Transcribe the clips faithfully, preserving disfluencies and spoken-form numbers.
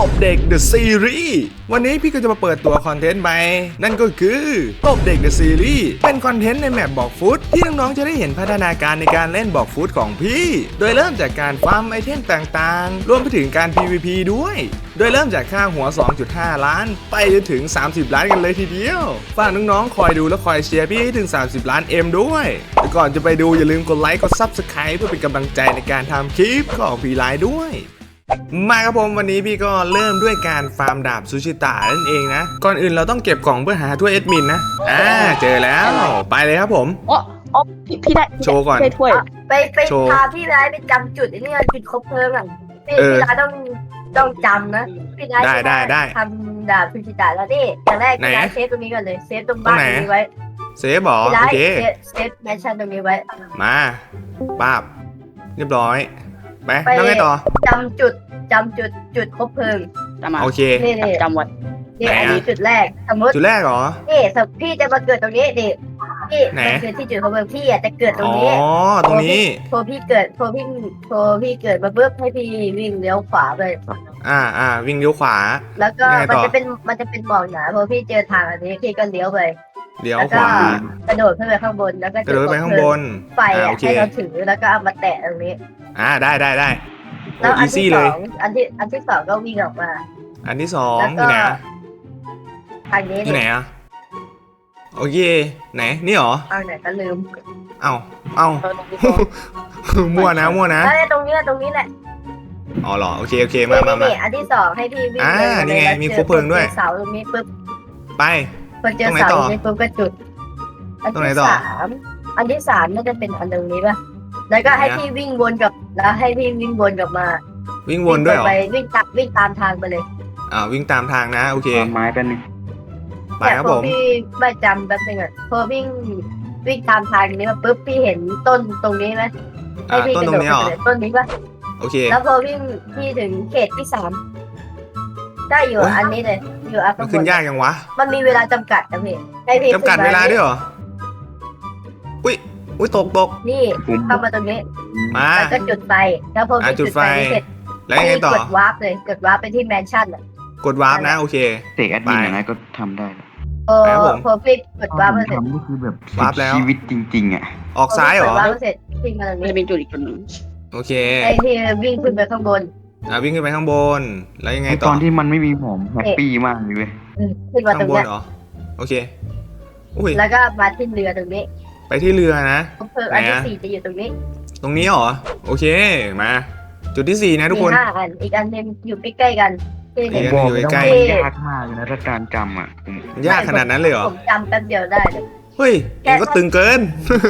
บเด็ก The Series วันนี้พี่ก็จะมาเปิดตัวคอนเทนต์ใหม่นั่นก็คือตบเด็ก The Series เป็นคอนเทนต์ในแมปบอกฟุตที่น้องๆจะได้เห็นพัฒนาการในการเล่นบอกฟุตของพี่โดยเริ่มจากการฟาร์มไอเทมต่างๆรวมไปถึงการ พี วี พี ด้วยโดยเริ่มจากค่าหัว สองจุดห้า ล้านไปจนถึงสามสิบล้านกันเลยทีเดียวฝากน้องๆคอยดูและคอยเชียร์พี่ให้ถึงสามสิบล้าน เอ็ม ด้วยแต่ก่อนจะไปดูอย่าลืมกดไลค์กด ซับสไครบ์ เพื่อเป็นกำลังใจในการทำคลิปของพี่ไลน์ด้วยมาครับผมวันนี้พี่ก็เริ่มด้วยการฟาร์มดาบซูชิตะนั่นเองนะก่อนอื่นเราต้องเก็บกล่องเพื่อหาถ้วยเอดมินนะอ่าเจอแล้วไปเลยครับผมอ๋ออ๋อพี่พี่ได้โชว์ก่อนถ้วยไปไปพาพี่ไลน์ไปจำจุดไอ้นี่จุดครบเพลิงอ่ะพี่พี่ไลน์ต้องต้องจำนะพี่ไลน์ได้ได้ได้ทำดาบซูชิตะแล้วนี่อย่างแรกพี่ไลน์เซฟตรงนี้ก่อนเลยเซฟตรงบ้านตรงนี้ไว้เซฟบอโอเคเซฟแมชชั่นตรงนี้ไว้มาป้าบเรียบร้อยไปแล้วไงต่อจำจุดจำจุดจุดครบเพลิงโอเคจำวัดนี่อันนี้จุดแรกสมมติจุดแรกเหรอนี่สมมติพี่จะมาเกิดตรงนี้ดิพี่มันคือที่จุดครบเพลิงพี่อ่ะจะเกิดตรงนี้อ๋อตรงนี้พอพี่เกิดพอพี่พอพี่เกิดมาปุ๊บให้พี่วิ่งเลี้ยวขวาไปอ่าอ่าวิ่งเลี้ยวขวาแล้วก็มันจะเป็นมันจะเป็นหมอกหนาพอพี่เจอทางอันนี้พี่ก็เลี้ยวไปเลี้ยวขวากระโดดขึ้นไปข้างบนแล้วก็กระโดดไปข้างบนไฟให้เราถือแล้วก็เอามาแตะตรงนี้อ่าได้ได้ได้แล้วอันที่สองอันที่อันที่สองก็วิ่งออกมาอันที่สองที่ไหนทางนี้ที่ไหนอ่ะโอเคไหนนี่หรอเอาไหนก็ลืมเอ้าเอ้ามั่วนะมั่วนะตรงนี้ตรงนี้แหละอ๋อเหรอโอเคโอเคมามามาอันที่สองให้พี่วิ่งอ่านี่ไงมีครบเพลิงด้วยเสาตรงนี้ปุ๊บไปพอเจอเสาตรงนี้ปุ๊บก็จุดอันที่สามอันที่สามน่าจะเป็นอันตรงนี้ป่ะแล้วก็ให้พี่วิ่งวนกับแล้วให้พี่วิ่งวนกลับมาวิ่งวนด้วยเหรอไปวิ่งตัดวิ่งตามทางไปเลยอ่าวิ่งตามทางนะโอเคไม้เป็นไปครับผมพี่ไม่จำแป๊บนึงอ่ะพอวิ่งวิ่งตามทางนี้มาปุ๊บพี่เห็นต้นตรงนี้ไหมให้พี่กระโดดไปเลยต้นนี้ป่ะโอเคแล้วพอวิ่งพี่ถึงเขตที่สามได้อยู่อันนี้เลยอยู่อัพมันขึ้นยากยังวะมันมีเวลาจำกัดนะพี่ให้พี่จำกัดเวลาด้วยเหรออุ้ยอุ้ยตกตกนี่เข้ามาตรงนี้มาแล้วก็จุดไฟแล้วพอจุดไฟเสร็จแล้วยังไงต่อกดวาร์ปเลยกดวาร์ปไปที่แมนชั่นอ่ะกดวาร์ปนะโอเคเตะแอดมินอย่างไรก็ทำได้โอ้พอพี่กดวาร์ปเสร็จก็คือแบบวาร์ปแล้วชีวิตจริงๆอ่ะออกซ้ายเหรอวาร์ปเสร็จวิ่งมาตรงนี้เป็นจุดอีกคนนึงโอเคไอ้ที่วิ่งขึ้นไปข้างบนอ่าวิ่งขึ้นไปข้างบนแล้วยังไงต่อตอนที่มันไม่มีหอมแฮปปี้มากเลยขึ้นมาตรงนี้เหรอโอเคอุ้ยแล้วก็มาที่เรือตรงนี้ไปที่เรือนะอันที่สี่จะอยู่ตรงนี้ตรงนี้เหรอโอเคมาจุดที่สี่นะทุกคนมีห้าอันอีกอันนึงอยู่ใกล้ๆกันอีกอันนึงอยู่ใกล้ยากมากเลยนะถ้าการจำอ่ะยากขนาดนั้นเลยเหรอผมจำแป๊บเดียวได้เลยเฮ้ยเองก็ตึงเกิน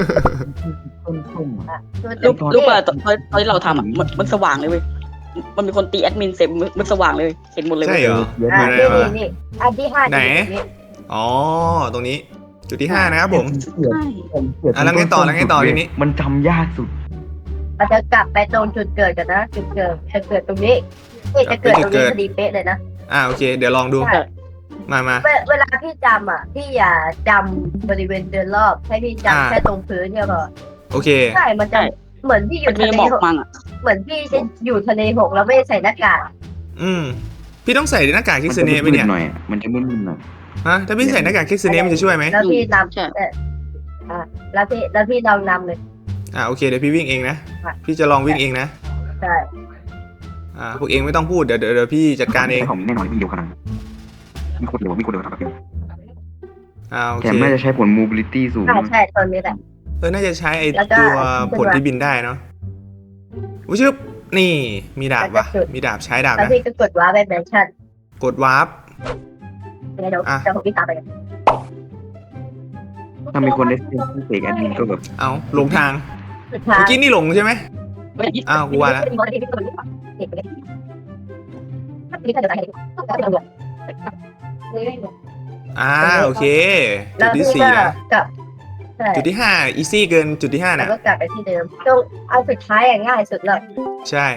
รูปรูปอะตอนตอนที่เราทำอ่ะมันสว่างเลยเว้ยมันมีคนตีแอดมินเสร็จมันสว่างเลยเห็นหมดเลยใช่เหรออ่านี่นี่อันที่ห้าไหนอ๋อตรงนี้จุดที่ห้านะครับผมอ่ะแล้วไงต่อแล้วไงต่อทีนี้มันจำยากสุดเราจะกลับไปตรงจุดเกิดกันนะจุดเกิดจะเกิดตรงนี้นี่จะเกิดตรงนี้พอดีเป๊ะเลยนะอ่าโอเคเดี๋ยวลองดูมามาเวลาพี่จำอ่ะพี่อย่าจำบริเวณเดินรอบให้พี่จำแค่ตรงพื้นเนี่ยพอโอเคใช่มันจะเหมือนพี่อยู่ทะเลหกเหมือนพี่จะอยู่ทะเลหกแล้วไม่ใส่หน้ากากอืมพี่ต้องใส่หน้ากากคิสเน่ไหมเนี่ยหน่อยมันจะมึนๆหน่อยฮะถ้าพี่ใส่หน้ากากคิสเน่มันจะช่วยไหมแล้วพี่นำอ่าแล้วพี่แล้วพี่ลองนำเลยอ่าโอเคเดี๋ยวพี่วิ่งเองนะพี่จะลองวิ่งเองนะใช่อ่าพวกเองไม่ต้องพูดเดี๋ยวเดี๋ยวพี่จัดการเองผมแน่นอนวิ่งเร็วขนาดมีคนเร็วมีคนเร็วทำแบบนี้อ่าโอเคแถมน่าจะใช้ผล mobility สูงใช่ตอนนี้แหละเออน่าจะใช้ไอ้ตัวผลที่บินได้เนาะอุ้ยชึบนี่มีดาบว่ะมีดาบใช้ดาบนะแล้วพี่ก็กดวาร์ปไปแมนชั่นกดวาร์ปเดี๋ยวเดี๋ยวผมวิ่งตามไปกันถ้ามีคนได้เซ็นที่เสกแอดมินก็แบบเอาหลงทางเมื่อกี้นี่หลงใช่ไหมอ้าวกูว่าแล้วอ่าโอเคจุดที่สี่นะจุดที่ห้าอีซี่เกินจุดที่ห้านะก็กลับไปที่เดิมตรงเอาสุดท้ายอ่ะง่ายสุดเลยใช่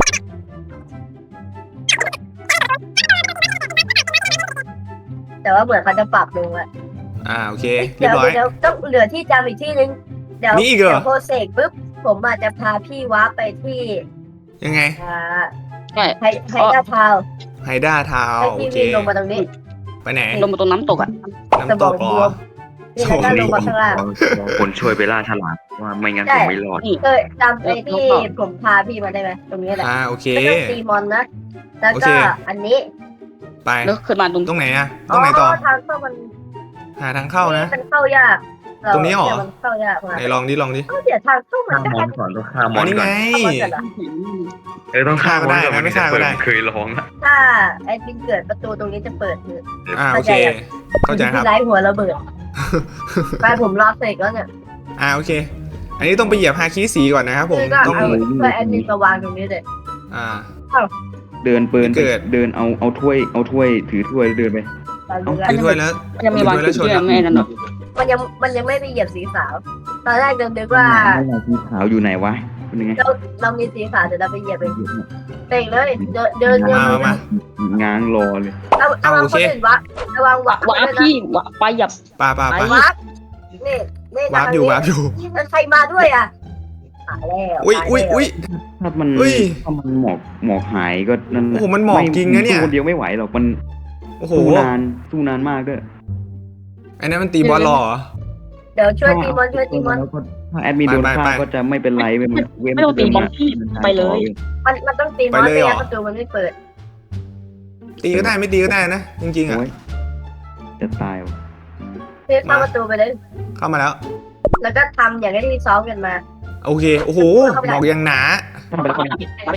แต่ว่าเหมือนเขาจะปรับลงอ่ะอ่าโอเคเรียบร้อยเดี๋ยวต้องเหลือที่จำอีกที่นึงเดี๋ยวเดี๋ยวโพสเซกปุ๊บผมอาจจะพาพี่ว้าไปที่ยังไงอ่าให้ให้หน้าทาวไฮด้าทาวให้โอพี่เควิ่งลงมาตรงนี้ไปไหนลงมาตรงน้ำตกอ่ะสน้ำมตองกบเหรวอมนี่แล้วก็ลงมาข้างล่างคนช่วยไปล่าฉลามว่าไม่งั้นผมไม่รอดนี่เคยจำไอ้ที่ผมพาพี่มาได้ไหมตรงนี้แหละอ่าโอเคไม่ต้องตีมอนนะ แล้วโอเคก็อันนี้ไปแล้วขึ้นมาตรงตรงไหนอะตรงไหนต่อทางเข้ามันหาทางเข้านะมันเข้ายากตรงนี้เหรอเามันเข้ายากมากไหนลองดิลองดิก็เดี๋ยวทางเข้ามันฆ่าก็มอแค่นก่อนต้องฆ่ามออันนนี้ก่อไงนเข้ามาเสร็จแล้วเออต้องฆ่ามอนฆ่าก็ได้ก่อนนะไม่ฆ่าก็ได้เคยร้องอะถ้าแอดมินเกิดประตูตรงนี้จะเปิดคืออ่าโอเค เข้าใจครับที่ไร้หัวระเบิดไปผมรอเสร็จแล้วเนี่ยอ่าโอเค อันนี้ต้องไปเหยียบฮาคิสีก่อนนะครับผมคือก็ต้องเอาเพื่อแอดมินมาวางตรงนี้เลยอ่าเดินเปินเกิดเดินเอาเอาถ้วยเอาถ้วยถือถ้วยเดินไปตอนนี้ถือถ้วยแล้วมันยังมีวางจุดที่ยังไม่นั่นหรอกมันยังมันยังไม่ไปเหยียบสีขาว ตอนแรกเดินนึกว่าสีขาวอยู่ไหนวะเป็นยังไงเราเรามีสีขาวเดี๋ยวเราไปเหยียบเองเตะเลยเดินเดินเดินมามามาง้างรอเลยเอาเอาวางคนอื่นวะระวังวะวาร์ปพี่วาร์ปไปหยับปาปาไปปาวาร์ปนี่นี่วาร์ปอยู่วาร์ปอยู่แล้วใครมาด้วยอ่ะตายแล้วอุ้ยอุ้ยอุ้ยถ้ามันเฮ้ยถ้ามันหมอกหมอกหายก็นั่นแหโอ้ละโหมันหมอกจริงนะเนี่ยสู้คนเดียวไม่ไหวหรอกมันโอ้โหสู้นานสู้นานมากด้วยอันนั้นมันตีบอลหรอเดี๋ยวช่วยตีมอนช่วยตีมอนแล้วก็ถ้าแอดมินโดนไปไปฆ่าไปก็จะไม่เป็นไรเว้ยมันเว้นไม่ต้องตีบอลพี่ไปเลยมันมันต้องตีมอนไปเลยไม่เหรองั้นประตูมันไม่เปิดตีก็ได้ไม่ตีก็ได้นะ จริงๆอ่ะโอ้ยจะตายว่ะเพื่อเข้าประตูไปเลยเข้ามาแล้วแล้วก็ทำอย่างที่ซ้อมกันมาโอเค โอ้โห หมอกยังหนาทำไปแล้วก็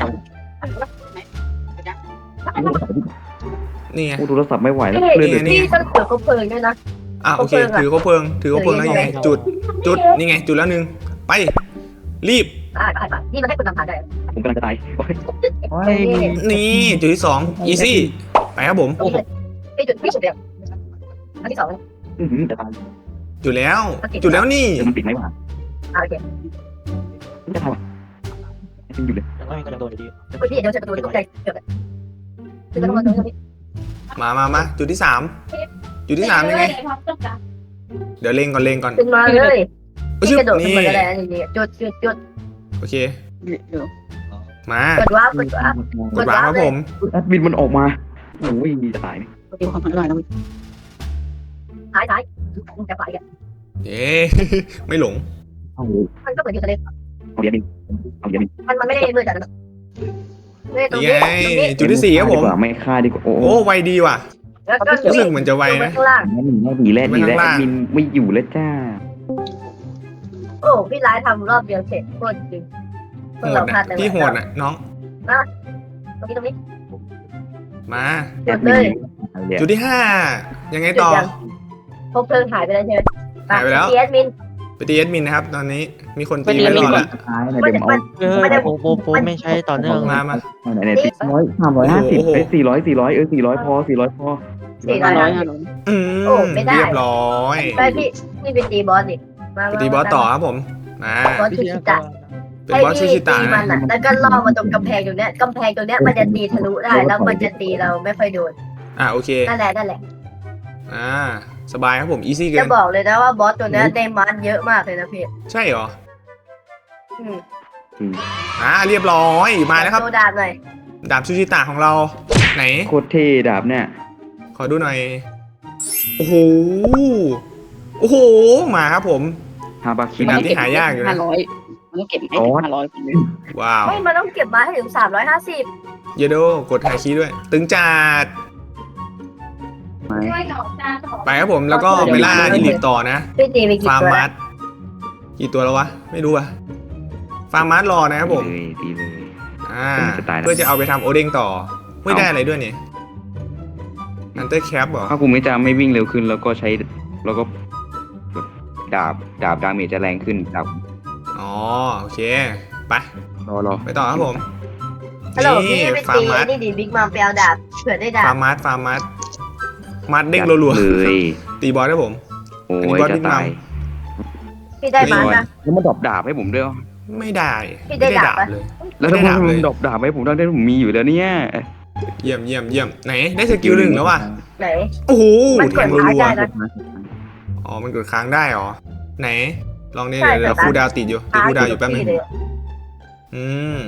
นี่ไงโอ้โทรศัพท์ไม่ไหวแล้วพี่เลื่อนเลยนี่พี่ต้องถือเขาเพลิงด้วยนะอ่ะโอเค ถือเขาเพลิง ถือเขาเพลิงแล้วยังไง จุด จุด นี่ไง จุดแล้วหนึ่ง ไป รีบอ่าอ่าอ่านี่มันให้คนนำทางได้ผมกำลังจะตายโอ้ยโอ้ยนี่ จุดที่สอง easy ไปครับผมตรงนี้เลยพี่จุดพี่จุดเดียวอันที่สองอื้อหือจะตายจุดแล้ว จุดแล้วนี่เดี๋ยวมันปิดไหมวะอ่าโอเคมันจะตายวะยังอยู่เลยคุณพี่เดี๋ยวจะประตูตกใจเกือบเลยคือต้องมาตรงนี้มามามาจุดที่สาม จุดที่สามยังไง เดี๋ยวเล็งก่อนเล็งก่อนขึ้นมาเลยอุ๊ยพี่กระโดดขึ้นนี่มาก็ได้จริงๆจุดจุดจุดโอเคเดี๋ยวมากดว้าวกดว้าวกดวางครับผมแอดมินมันออกมาโอ้ยจะตายนี่เดี๋ยวความพันธุ์อะไรนะท้ายท้ายจะไปกันเย้ ไม่หลงเอามันก็เหมือนอยู่ทะเลเอาเดี๋ยวมินเอาเดี๋ยวมินมันมันไม่ได้มืดจัดนะไม่ตรงนี่นี้ไงตรงนี้จุดที่สี่ครับผมดีกว่าไม่ฆ่าดีกว่าโอ้โอ้ ไวดีว่ะแล้วก็รู้สึกเหมือนจะไวนะข้างล่างแอดมินไม่ดีแล้วดีแล้วแอดมินไม่อยู่แล้วจ้าโอ้พี่ร้ายทำรอบเดียวเสร็จโคตรจริงโหดนะพี่โหดอ่ะ น้องตรงนี้ตรงนี้มาหยุดเลยจุดที่ห้า ยังไงต่อพบเพลิงหายไปแล้วใช่ไหมหายไปแล้วเอสมินไปตีเอดมินนะครับ ตอนนี้ มีคนตีไปรอแล้วท้ายนะเดี๋ยวเอาเออโปโปโปไม่ใช่ต่อเนื่องมามาไหนไหนสี่ร้อยสามร้อยห้าสิบโอ้โหเอ้ยสี่ร้อยสี่ร้อยเออสี่ร้อยพอสี่ร้อยพอสี่ร้ห้าอยร้อยห้าห้าสิบร้อยอืมโอ้ไม่ได้เรียบร้อยไปพี่พี่ไปตีบอสดิมาไปตีบอสต่อครับผม มาบอสชูชิตะเป็นบอสชูชิตะให้พี่ตีมันะนอ่ะแล้วก็ล่อมาตรงกำแพงตรงเนี้ยกำแพงตรงเนี้ยมันจะตีทะลุได้แล้วมันจะตีเราไม่ค่อยโดนอ่ะโอเคนั่นแหละนั่นแหละอ่า สบายครับผม อีซี่เกิจะนบอกเลยนะว่าบอสตัวเนี้ยได้มันเยอะมากเลยนะพี่ใช่เหรออืมอ่า เรียบร้อย มาแล้วครับโซดาหน่อยดาบชูชิตะของเรา ไหนโคตรเท่ดาบเนี่ยขอดูหน่อย โอ้โห โอ้โห มาครับผมฮาบาคิเป็นดาบที่หายากอยู่นะห้าร้อยมันต้องเก็บให้ถึงห้าร้อยว้าวไม่มันต้องเก็บมาให้ถึงสามร้อยห้าสิบเยโดกดไฮคีย์ด้วย ตึงจัดไหมไปครับผม แล้วก็ไปล่าอีลิตต่อนะพี่ตีไปกี่ฟาร์มตัวมัดกี่ตัวแล้ววะ ไม่รู้อะฟาร์มมัดรอนะครับผมดีเลยดีเลยอ่าผมจะตายแล้วเพื่อจะเอาไปทำโอเด้งต่อ ไม่ได้อะไรด้วยเนี่ยนันเตอร์แคปเหรอถ้าคุณไม่จะไม่วิ่งเร็วขึ้นแล้วก็ใช้แล้วก็ดาบดาบดาเมจจะแรงขึ้นดาบอ๋อ โอเค ไปรอรอไปต่อครับผมฮัลโหลนี่พี่ไปฟาตีร์มมัดนี่ดิบิ๊กมัมไปเอาดาบเผื่อได้ดาฟาบร์มมัดฟาร์มมัดมัดเด้งรัวเลยๆตีบอลครับผมโอ้อันนี้ยบอสจะบิ๊กมัตาม ยพี่ได้มันนะแล้วมันดรอปดาบให้ผมด้วยไม่ได้พี่ได้ดาบปะเลยแล้วถ้าไม่ได้ดาบมัเลยนดรอปดาบให้ผมได้ที่ผมมีอยู่แล้วเนี่ยเยี่ยมเยี่ยมเยี่ยมไหน ได้สกิลหนึ่งแล้วว่ะไหนโอ้โหมันกแทดงค้างรัวได้นะๆอ๋อ มันกดค้างได้เหรอ ไหน ลองนี่ใช่เดี๋ยวแต่คูลดาวน์ติดอยู่ ติดคูลดาวน์อยู่แป๊บนึงพี่เลยอืม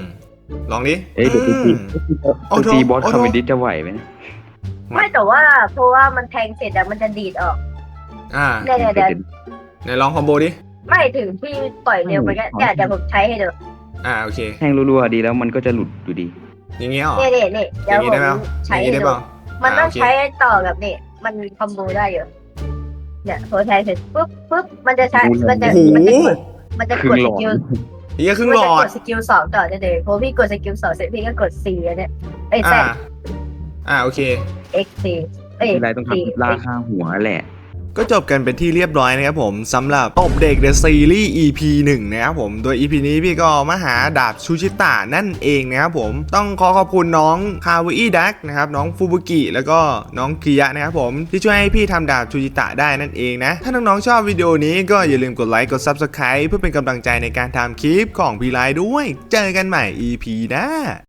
ลองดิเอ้ยเดี๋ยวไปตีโอ้ไปโถตีบอสโอ้โถคอมเมดี้จะไหวไหมไม่แต่ว่าเพราะว่ามันแทงเสร็จอะมันจะดีดออกอ่าเนี่ยเนี่ยเดี๋ยวไหนลองคอมโบดิไม่ถึงที่ปล่อยเร็วไปก็เดี๋ยวเดี๋ยวผมใช้ให้ดูอ่าโอเคแทงรัวๆดีแล้วมันก็จะหลุดอยู่ดีอย่างงี้เหรอเนี่ยเนี่ยเนี่ยอเดี๋ยวย่างงี้ผได้ไหมมอใช้ย่างให้งี้ได้ดูเปล่ามันต้องอ่าโอเคใช้ต่อกับนี่มันคอมโบได้อยู่เนี่ยพอใช้เสร็จปุ๊บปุ๊บมันจะใช้มันจะโอ้โหมันจะกดมันจะครึ่กดงหลสอดกิลเฮียครึ่งมันหลจะอก ดดสกิลสองต่อได้เลยพอพี่กดสกิลสองเสร็จพี่ก็กด C อันเนี่ยเอ้ย Z อ่า อ่าโอเค X C เอ้ยทีไรต้อง C ทำล่าข้างหัวแหละก็จบกันเป็นที่เรียบร้อยนะครับผมสำหรับตบเด็ก The Series อี พี หนึ่งนะครับผมโดย อี พี นี้พี่ก็มาหาดาบชูชิตะนั่นเองนะครับผมต้องขอขอบคุณน้องคาวอี้ดักนะครับน้องฟูบุกิแล้วก็น้องคิยะนะครับผมที่ช่วยให้พี่ทำดาบชูชิตะได้นั่นเองนะถ้าน้องๆชอบวิดีโอนี้ก็อย่าลืมกดไลค์กด ซับสไครบ์ เพื่อเป็นกำลังใจในการทำคลิปของพี่ไลฟ์ด้วยเจอกันใหม่ อี พี หน้า